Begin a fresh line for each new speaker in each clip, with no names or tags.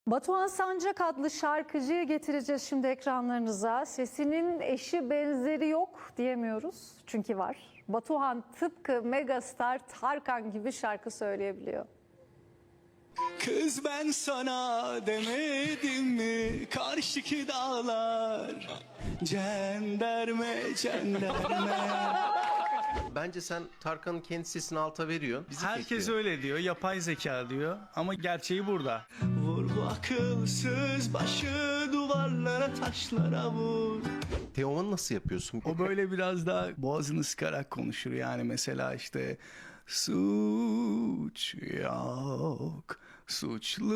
Batuhan Sancak adlı şarkıcıyı getireceğiz şimdi ekranlarınıza. Sesinin eşi benzeri yok diyemiyoruz çünkü var. Batuhan tıpkı megastar Tarkan gibi şarkı söyleyebiliyor.
Kız ben sana demedim mi karşıki dağlar cenderme cenderme.
Bence sen Tarkan'ın kendi sesini alta veriyorsun. Bizi
Herkes
kekliyor.
öyle diyor, yapay zeka diyor ama gerçeği burada. Vur bu akılsız başı duvarlara taşlara vur.
Teoman'ı nasıl yapıyorsun?
O böyle biraz daha boğazını sıkarak konuşur yani, mesela işte suç yok, suçlu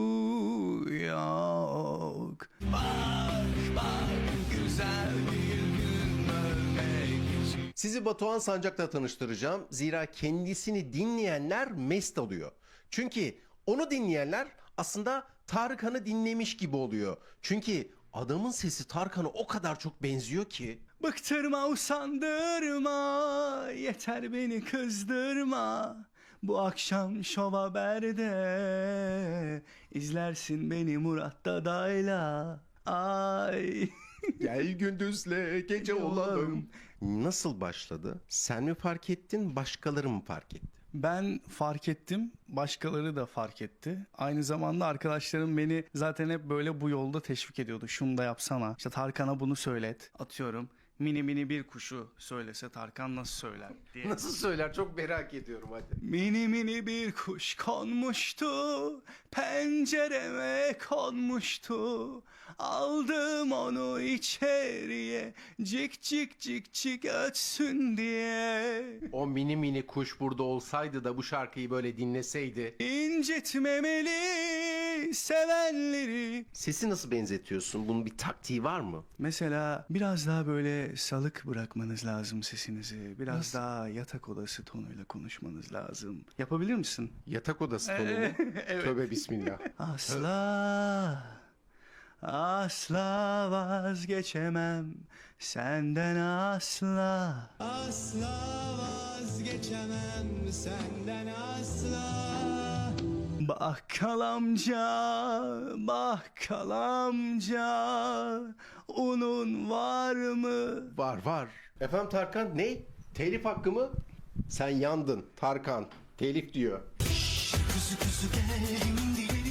yok. Bak güzel bir gün ölmek için.
Sizi Batuhan Sancak'la tanıştıracağım. Zira kendisini dinleyenler mest oluyor. Çünkü onu dinleyenler aslında Tarkan'ı dinlemiş gibi oluyor. Çünkü adamın sesi Tarkan'a o kadar çok benziyor ki.
Bıktırma, usandırma, yeter beni kızdırma. Bu akşam Şov Haber'de izlersin beni Murat Dadayla. Ay.
Gel gündüzle gece olalım. Nasıl başladı? Sen mi fark ettin, başkaları mı fark etti?
Ben fark ettim, başkaları da fark etti. Aynı zamanda arkadaşlarım beni zaten hep böyle bu yolda teşvik ediyordu. Şunu da yapsana, İşte Tarkan'a bunu söylet. Atıyorum, mini mini bir kuşu söylese Tarkan nasıl söyler diye.
Nasıl söyler, çok merak ediyorum hadi.
Mini mini bir kuş konmuştu, pencereme konmuştu. Aldım onu içeriye, cik cik cik cik ötsün diye.
O mini mini kuş burada olsaydı da bu şarkıyı böyle dinleseydi.
İncitmemeli sevenleri.
Sesi nasıl benzetiyorsun? Bunun bir taktiği var mı?
Mesela biraz daha böyle salık bırakmanız lazım sesinizi. Biraz daha yatak odası tonuyla konuşmanız lazım. Yapabilir misin?
Yatak odası tonu mu?
Evet.
Tövbe bismillah.
Asla, asla vazgeçemem senden asla. Asla vazgeçemem senden asla. Bakkal amca, bakkal amca, unun var mı?
Var. Efendim Tarkan ne? Telif hakkı mı? Sen yandın Tarkan. Telif diyor.
Kuzu kuzu geldim diye